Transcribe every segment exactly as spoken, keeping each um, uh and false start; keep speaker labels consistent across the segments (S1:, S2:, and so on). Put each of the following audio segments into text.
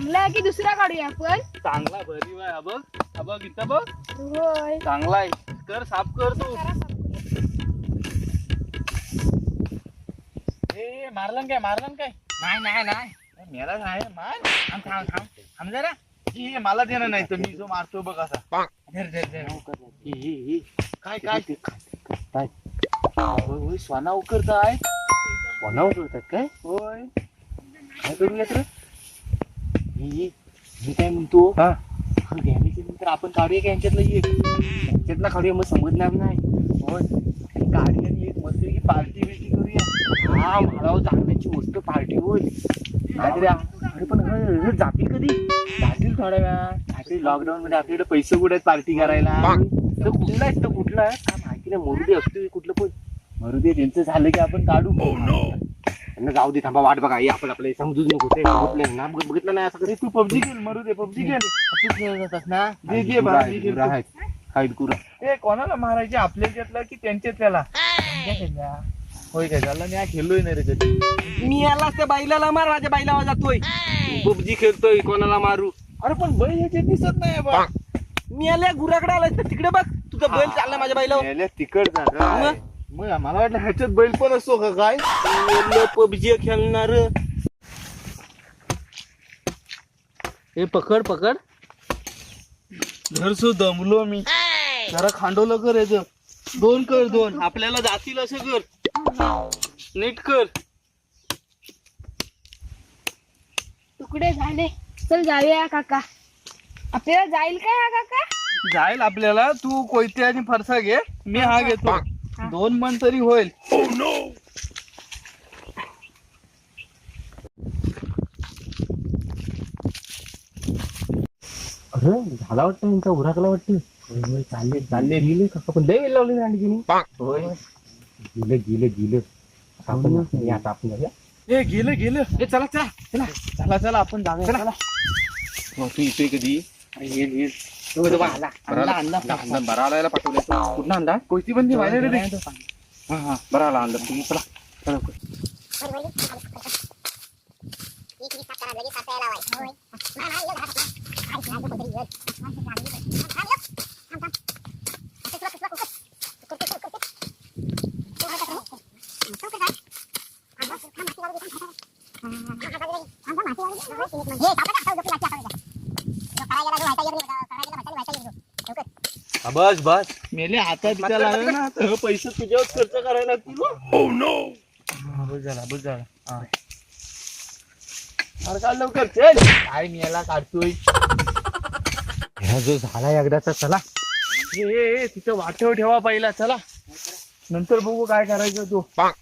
S1: चांगला आहे की दुसरा काढूया आपण?
S2: चांगला भरी आहे बघ. हा बघ इथं बघ.
S1: होय.
S2: चांगला आहे. कर साफ कर तू. ए मारलन काय मारलन काय?
S3: नाही नाही नाही
S2: मेला नाही मार.
S3: थांब थांब थांब थांब जरा.
S2: हे मला देणं नाही तर मी जो मारतो बघ असा.
S3: धर धर धर
S2: ही, ही, ही. काय काय काय होय होय स्वाना उकरताय.
S3: कोणा उचलतात काय?
S2: होय
S3: काय करूयात रे? मी मी काय म्हणतो
S2: हा
S3: घ्यायच्या नंतर आपण काढूया की यांच्यातलं एक यांच्यातला काढूया मग समजणार नाही.
S2: होय गाडी आणि एक मस्त पार्टी बिर्टी करूया.
S3: हा मला चांगल्याची मस्त पार्टी होईल.
S2: काहीतरी
S3: अरे पण हे- हे जातील कधी?
S2: जातील थोड्या वेळात.
S3: काहीतरी लॉकडाऊन मध्ये आपल्याकडे पैसे कुठे आहेत पार्टी करायला?
S2: तर कुठला आहे तर कुठला आहे
S3: काय माहिती नाही मरू दे असतो कुठलं पण
S2: मरू दे त्यांचं झालं की आपण काढू.
S3: त्यांना जाऊ दे थांबा वाट बघा हे आपण आपलं समजूच नको ते बघितलं ना बघ- बघितलं नाही असं कधी
S2: तू पबजी खेळ मरू दे पबजी खेळ.
S3: तू खेळत होतास ना
S2: जे जे भाजी खेळ.
S3: हाईट कुरा
S2: ते कोणाला मारायचे आपल्याच्यातला की त्यांच्यातल्याला? होय काय झालं मी खेळलोय नाही रे कधी.
S3: मी याला त्या बाईला मार माझ्या बाईला जातोय पबजी खेळतोय कोणाला मारू.
S2: अरे पण बैल ह्याचे दिसत नाही बा.
S3: मी याला गुराकडे आलाय तर तिकडे बघ तुझा बैल चालला माझ्या बाईला.
S2: तिकड मग मला वाटलं ह्याच्यात बैल पण असतो का काय?
S3: पबजी खेळणार
S2: हे पकड पकड. घरसो दमलो मी जरा खांडवलं कर याच. दोन कर दोन आपल्याला जातील असं कर. नीट कर.
S1: तुकडे झाले. चल जाऊया काका. आपल्याला जाईल काय हा काका?
S2: जाईल आपल्याला. तू कोयते आणि फरसा घे मी हा घेतो. दोन मन तरी होईल.
S3: अरे झाला वाटतं त्यांचा उराकला वाटतं. चालले चालले गेले का पण लय वेळ लावली नाही गेली.
S2: होय
S3: गेलं गेलं गेलं आपण हे आता आपण जाऊया.
S2: हे गेलं गेलं.
S3: ए चला चला चला
S2: चला चला आपण जाऊया चला.
S3: मग तू येतोय कधी? येईल येईल तो बघा आला आणला आणला आणला बरा आलायला पाठवलाय तू. कुठं आणला?
S2: कोयती बंदी व्हायला रे.
S3: हा हा बरा आला आणला तुम्ही चला चला
S2: बस बस मेले हातात बिचा लागला ना तर हे पैसे तुझ्यावर खर्च करायला लागतील. Oh no. बस झाला बस झाला. हा अरे काढ लवकर चल. काय मी याला काढतोय.
S3: ह्या जो झाला एकदाचा चला.
S2: ए, ए, ए, तिथं वाटेवर ठेवा पहिला चला. नंतर बघू काय करायचं तू.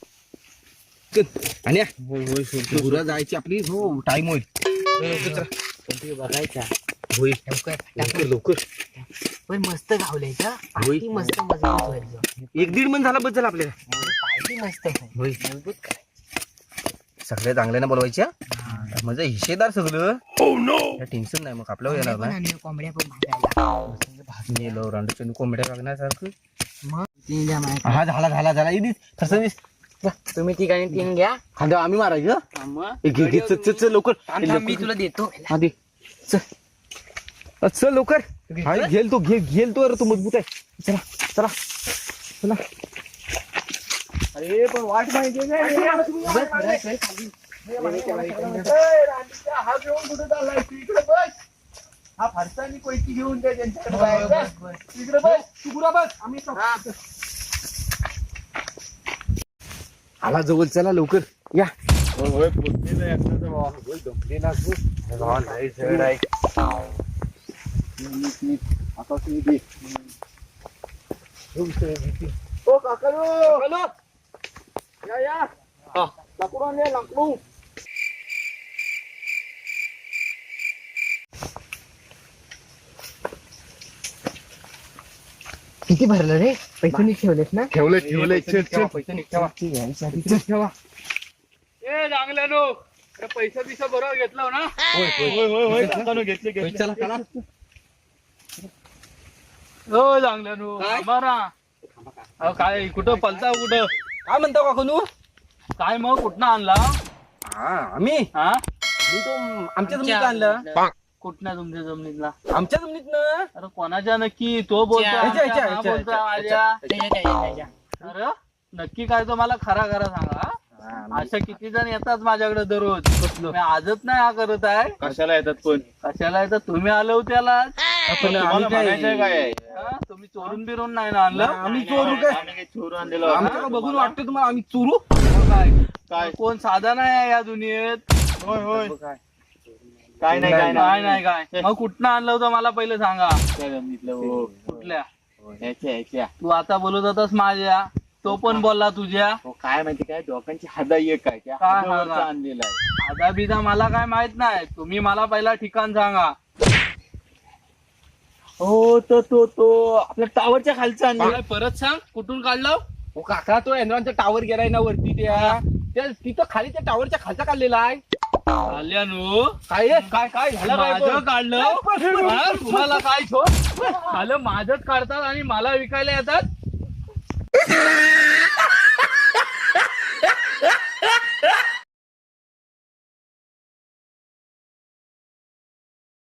S3: आणि
S2: होय होय
S3: गुरा जायची आपली हो टाइम होईल.
S1: बघायचा.
S3: होईल लवकर लवकर
S1: पण मस्त गावलंय का?
S3: होय.
S1: पार्टी मस्त मजबूत होईल.
S3: एक दीड मन झाला बस झाला आपल्याला.
S1: पार्टी मस्त होईल.
S3: होय
S1: मजबूत काय?
S3: सगळ्या चांगल्यानं बोलवायच्या म्हणजे हिशेदार सगळं. टेन्शन नाही मग आपल्यावर येणार
S1: पण
S3: नाही.
S1: आणि कोंबड्या पण भाजायला.
S3: भाजणी रांडच्या कोंबड्या बघण्यासारखं.
S1: मग तीन द्या माझ्या.
S3: हा झाला झाला झाला इथे तसं दिस
S1: तुम्ही ठिकाणी तीन घ्या.
S3: खांद्या आम्ही मारायचं.
S2: मग
S3: ए, घे घे चल चल चल लवकर
S1: थांब, थांब, मी तुला देतो.
S3: हा दे चल अ, चल लवकर. हा घेल तो घे घेल तो अरे तो मजबूत आहे. चला चला चला.
S2: अरे पण वाट माहिती हा घेऊन कुठे चाललाय तू? इकडे बस. हा फरसानी कोयती घेऊन द्या त्यांच्याकडे जायचं. इकडे बस तू गुरा बस. आम्ही
S3: आला जवळ चला लवकर या.
S2: होय होय पोचलेलं आहे एकदाचा बाबा. होय दमलेला असतो. बाबा लय जड आहे. नीट, नीट. आता तुम्ही दे. ओ काकालो काकालो या या. हा लाकूड आणले लाकूड.
S1: किती भरलं रे? पैसे नीट ठेवलेस ना?
S2: ठेवले ठेवले चल चल.
S3: पैसे ठेवा
S2: चल ठेवा. ए चांगल्यानो पैसा बिसा बरोबर घेतला ना?
S3: होय होय
S2: होय होय होय काकानो घेतले
S3: होय,
S2: घेतले.
S3: चला चला
S2: हो चांगल्यानो
S3: काय?
S2: बरा. अहो काय कुठं पलता कुठं?
S3: काय म्हणता काकू तू?
S2: काय मग कुठनं आणला?
S3: हा आम्ही
S2: हा
S3: मी तो आमच्या जमिनीत आणलं.
S2: कुठल्या तुमच्या जमिनीतला?
S3: आमच्या जमिनीत ना.
S2: अरे कोणाच्या नक्की? तो बोलतो
S3: ह्याच्या,
S2: आमच्या,
S3: ह्याच्या,
S2: हा
S3: ह्याच्या,
S2: बोलतोय
S3: ह्याच्या,
S2: माझ्या. अरे नक्की काय तो मला खरा खरा सांगा. अशा किती जण येतात माझ्याकडे दररोज. मी आजच नाही हा करत आहे.
S4: कशाला येतात पण?
S2: कशाला येतात? तुम्ही आलो त्याला.
S3: पण आम्ही
S4: म्हणायचंय
S3: काय
S4: काय?
S2: तुम्ही चोरून बिरून नाही ना आणलं?
S3: आम्ही चोरू काय?
S4: आम्ही काही चोरून आणलेलं
S3: आमच्याकडे बघून वाटतं तुम्हाला आम्ही चोरू.
S2: मग काय
S4: काय?
S2: कोण साधा नाही आहे या दुनियेत.
S4: होय होय काय नाही काय
S2: काय
S4: नाही
S2: नाही काय मग कुठनं आणलं होतं मला पहिले सांगा.
S4: त्या जमिनीतलं हो
S2: कुठल्या?
S4: ह्याच्या ह्याच्या
S2: तू आता बोलत होतास माझ्या, तो पण बोलला तुझ्या.
S4: हो काय माहिती काय दोघांची हादा एक काय त्या
S2: काय
S4: हादावरचं
S2: हादा?
S4: आणलेला आहे.
S2: आधा बिधा मला काय माहित नाही. तुम्ही मला पहिला ठिकाण सांगा.
S4: हो तो तो तो आपल्या टावरच्या खालचा आणलेला.
S2: काय परत सांग कुठून काढलं?
S3: हो काका तो एनरॉनचा टावर गेलाय ना वरती त्या त्या- तिथं खाली त्या टावरच्या खालचा काढलेला आहे.
S2: आल्यानो
S3: काय आहे? काय काय झालं काय
S2: माझं
S3: पण?
S2: काढलं. हा, तुम्हाला काय छो झालं? माझंच काढतात आणि मला विकायला येतात.